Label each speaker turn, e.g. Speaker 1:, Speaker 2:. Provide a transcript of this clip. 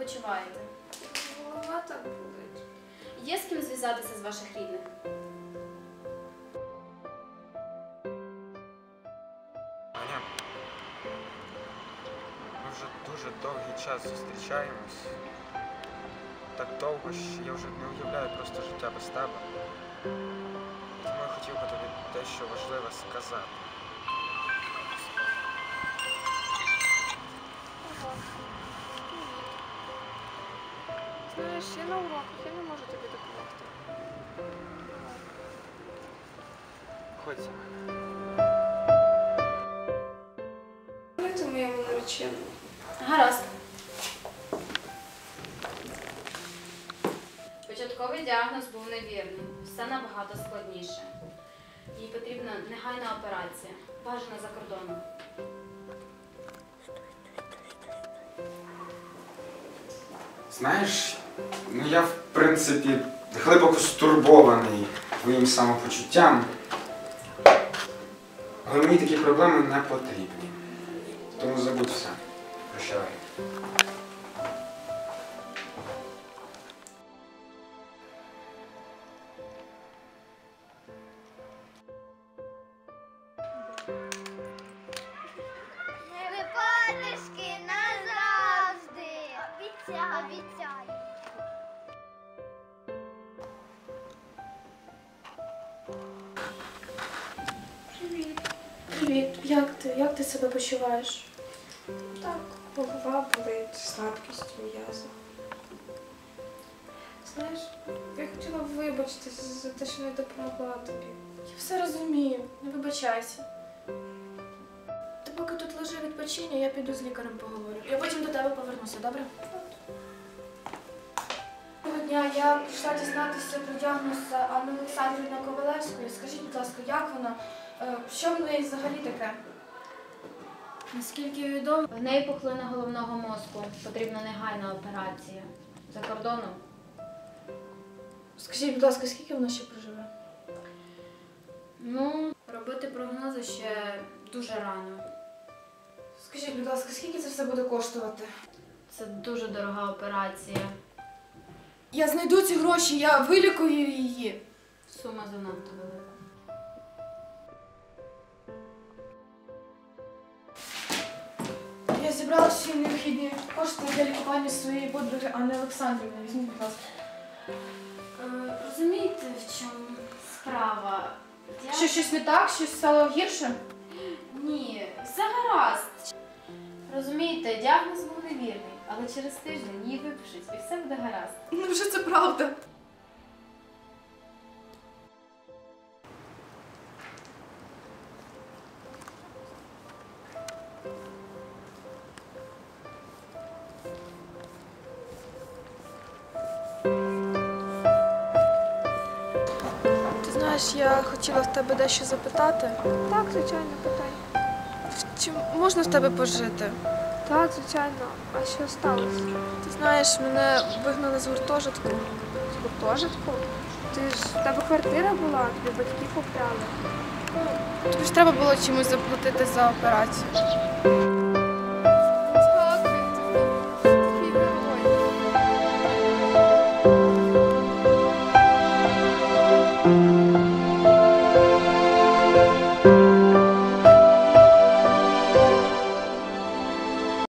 Speaker 1: почуваєте?
Speaker 2: Голова так болить.
Speaker 1: Є з ким зв'язатися з ваших рідних?
Speaker 3: Аня, ми вже дуже довгий час зустрічаємось. Так довго, що я вже не уявляю просто життя без тебе. Тому я хотів би тобі дещо важливе сказати.
Speaker 2: Ага. Знаєш, я на уроках, я не можу тобі допомогти.
Speaker 3: Ходь за мене.
Speaker 2: Давайте моєму нареченому.
Speaker 1: Гаразд. Початковий діагноз був невірний. Все набагато складніше. Їй потрібна негайна операція. Бажана за кордоном.
Speaker 3: Знаєш, я в принципі глибоко стурбований твоїм самопочуттям. Але мені такі проблеми не потрібні. Тому забудь все. Прощавай.
Speaker 4: Не випадешки назавжди. Обіцяю.
Speaker 2: Привіт. Привіт. Як ти себе почуваєш? Так, голова болить, слабкість у м'язах. Знаєш, я хотіла вибачитися за те, що не допомогла тобі.
Speaker 5: Я все розумію, не вибачайся. Ти поки тут лежи відпочинь, я піду з лікарем поговорю. Я потім до тебе повернуся, добре? Доброго дня, я прийшла дізнатися про діагноз Анни Олександрівни Ковалевської. Скажіть, будь ласка, як вона? Що в неї взагалі таке?
Speaker 1: Наскільки відомо, в неї пухлина головного мозку. Потрібна негайна операція. За кордоном.
Speaker 5: Скажіть, будь ласка, скільки вона ще проживе?
Speaker 1: Ну, робити прогнози ще дуже рано.
Speaker 5: Скажіть, будь ласка, скільки це все буде коштувати?
Speaker 1: Це дуже дорога операція.
Speaker 5: Я знайду ці гроші, я вилікую її.
Speaker 1: Сума занадто велика.
Speaker 5: Я зібрала всі необхідні кошти для лікування своєї подруги Анни Олександрівни. Візьміть, будь ласка.
Speaker 1: Розумієте, в чому справа?
Speaker 5: Що, щось не так? Щось стало гірше?
Speaker 1: Ні, все гаразд. Розумієте, діагноз був невірний, але через тиждень її випишуть і все буде гаразд.
Speaker 5: Ну вже це правда. Ти знаєш, я хотіла в тебе дещо запитати.
Speaker 2: Так, звичайно, питай.
Speaker 5: Чи можна в тебе пожити?
Speaker 2: Так, звичайно. А що сталося?
Speaker 5: Ти знаєш, мене вигнали з гуртожитку.
Speaker 2: З гуртожитку? Ти ж в тебе квартира була, тобі батьки купляли.
Speaker 5: Тобі ж треба було чимось заплатити за операцію.